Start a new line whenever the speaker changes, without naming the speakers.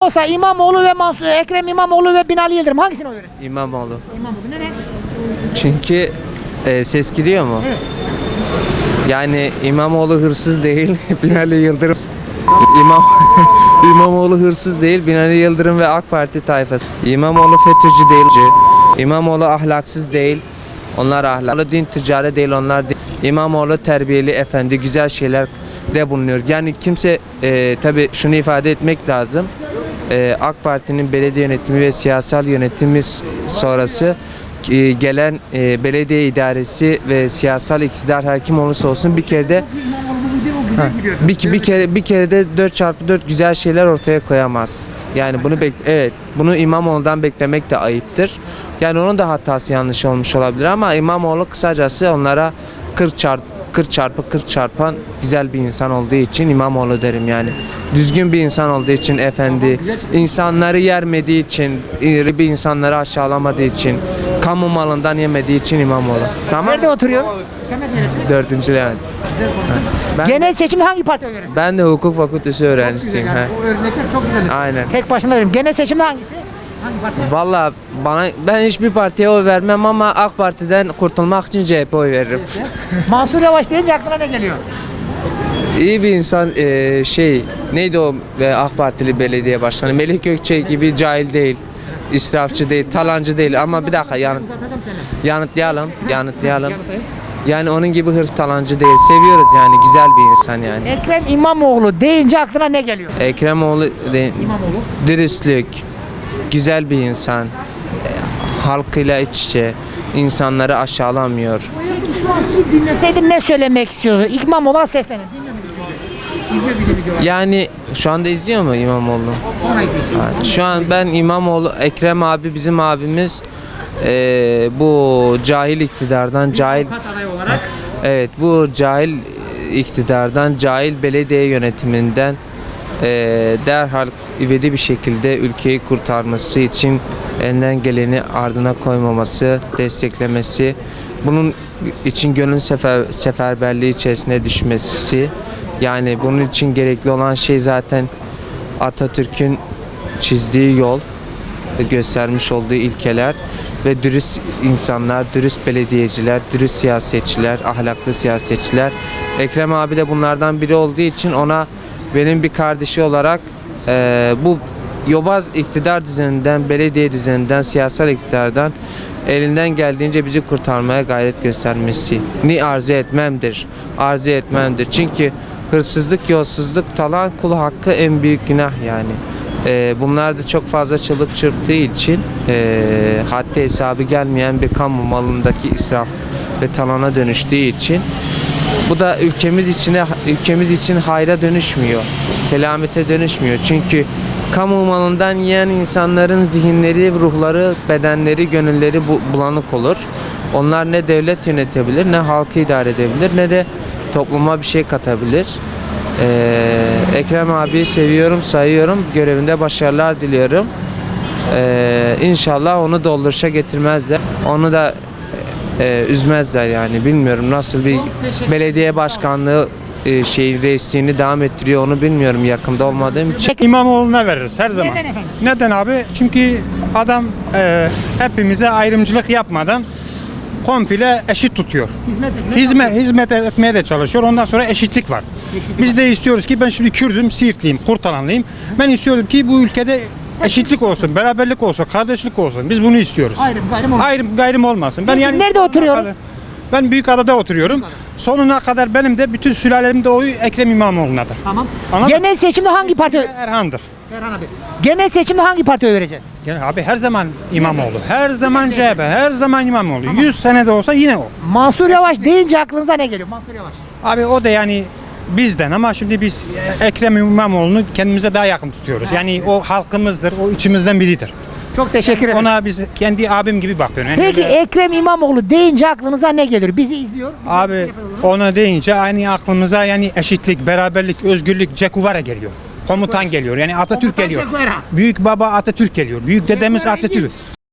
Olsa İmamoğlu ve Ekrem İmamoğlu ve Binali Yıldırım hangisine oy verirsin?
İmamoğlu.
İmamoğlu neden?
Çünkü ses gidiyor mu?
Evet.
Yani İmamoğlu hırsız değil, Binali Yıldırım. İmam İmamoğlu hırsız değil, Binali Yıldırım ve AK Parti tayfası. İmamoğlu FETÖ'cü değil. İmamoğlu ahlaksız değil. Onlar ahlaklı, din ticari değil, onlar değil. İmamoğlu terbiyeli, efendi, güzel şeyler de bulunuyor. Yani kimse tabii şunu ifade etmek lazım. AK Parti'nin belediye yönetimi ve siyasal yönetimi sonrası gelen belediye idaresi ve siyasal iktidar her kim olursa olsun bir kere de bir kere de 4x4 güzel şeyler ortaya koyamaz. Yani bunu İmamoğlu'ndan beklemek de ayıptır. Yani onun da hatası yanlış olmuş olabilir ama İmamoğlu kısacası onlara 40 çarpı 40 çarpan güzel bir insan olduğu için İmamoğlu derim yani. Düzgün bir insan olduğu için, efendi, insanları yermediği için, bir insanları aşağılamadığı için, kamu malından yemediği için İmamoğlu. Tamam.
Nerede oturuyoruz? Kemal neresi?
4. Levent.
Genel seçimde hangi partiye oy verirsin?
Ben de hukuk fakültesi öğrencisiyim.
Yani o örnekler çok güzel.
Aynen.
Tek başına veririm. Genel seçimde hangisi? Hangi parti?
Valla ben hiçbir partiye oy vermem ama AK Parti'den kurtulmak için CHP oy veririm.
Mansur Yavaş deyince aklına ne geliyor?
İyi bir insan, neydi o AK Partili belediye başkanı Melih Gökçek gibi cahil değil, israfçı değil, talancı değil ama bir dakika yanıtlayalım. Yani onun gibi hırs talancı değil. Seviyoruz yani, güzel bir insan yani.
Ekrem İmamoğlu deyince aklına ne geliyor?
İmamoğlu
İmamoğlu.
dürüstlük, güzel bir insan, halkıyla iç içe, insanları aşağılamıyor.
Peki şu an sizi dinleseydim ne söylemek istiyordu? İmamoğlu'na seslenin. Dinliyor musunuz şu an? İzliyor bizi videolar.
Yani şu anda izliyor mu İmamoğlu?
Sonra izleyeceğiz.
Şu an ben İmamoğlu, Ekrem abi bizim abimiz bu cahil iktidardan,
Avukat adayı olarak.
evet bu cahil iktidardan, cahil belediye yönetiminden derhal ivedi bir şekilde ülkeyi kurtarması için elinden geleni ardına koymaması, desteklemesi, bunun için gönül seferberliği içerisine düşmesi, yani bunun için gerekli olan şey zaten Atatürk'ün çizdiği yol, göstermiş olduğu ilkeler ve dürüst insanlar, dürüst belediyeciler, dürüst siyasetçiler, ahlaklı siyasetçiler. Ekrem abi de bunlardan biri olduğu için ona benim bir kardeşi olarak bu yobaz iktidar düzeninden, belediye düzeninden, siyasal iktidardan elinden geldiğince bizi kurtarmaya gayret göstermesini arzu etmemdir. Çünkü hırsızlık, yolsuzluk, talan, kul hakkı en büyük günah yani. Bunlar da çok fazla çığlık çırptığı için haddi hesabı gelmeyen bir kamu malındaki israf ve talana dönüştüğü için bu da ülkemiz için hayra dönüşmüyor, selamete dönüşmüyor. Çünkü kamu malından yiyen insanların zihinleri, ruhları, bedenleri, gönülleri bulanık olur. Onlar ne devlet yönetebilir, ne halkı idare edebilir, ne de topluma bir şey katabilir. Ekrem abiyi seviyorum, sayıyorum. Görevinde başarılar diliyorum. İnşallah onu dolduruşa getirmezler. Onu da üzmezler yani. Bilmiyorum nasıl bir belediye başkanlığı reisliğini devam ettiriyor onu bilmiyorum yakında olmadığım için.
İmamoğlu'na veririz her zaman.
Neden efendim?
Neden abi? Çünkü adam hepimize ayrımcılık yapmadan komple eşit tutuyor. Hizmet etmeye de çalışıyor. Ondan sonra eşitlik var. Biz de istiyoruz ki ben şimdi Kürdüm, Siirtliyim, Kurtalanlıyım. Ben istiyorum ki bu ülkede eşitlik olsun, beraberlik olsun, kardeşlik olsun. Biz bunu istiyoruz. Ayrım gayrım olmasın. Ben
Peki nerede oturuyoruz?
Ben Büyükada'da oturuyorum. Sonuna kadar benim de bütün sülalemin de oyu Ekrem İmamoğlu'nadır.
Tamam.
Anladın mı?
Genel seçimde hangi parti?
Erhan'dır.
Erhan abi. Genel seçimde hangi partiye oy vereceğiz?
Yani abi her zaman İmamoğlu, her zaman CHP, her zaman İmamoğlu. 100 sene de olsa yine o.
Mansur Yavaş deyince aklınıza ne geliyor? Mansur Yavaş.
Abi o da yani bizden ama şimdi biz Ekrem İmamoğlu'nu kendimize daha yakın tutuyoruz. Yani o halkımızdır, o içimizden biridir.
Çok teşekkür ederim.
Ona biz kendi abim gibi bakıyorum. Yani
Peki
öyle-
Ekrem İmamoğlu deyince aklınıza ne gelir? Bizi izliyor.
Abi ona deyince aynı aklımıza yani eşitlik, beraberlik, özgürlük, Cekuvara geliyor. Komutan geliyor. Yani Atatürk
Komutan
geliyor.
Che Guevara.
Büyük baba Atatürk geliyor. Büyük dedemiz
Guevara
Atatürk.
ilginç.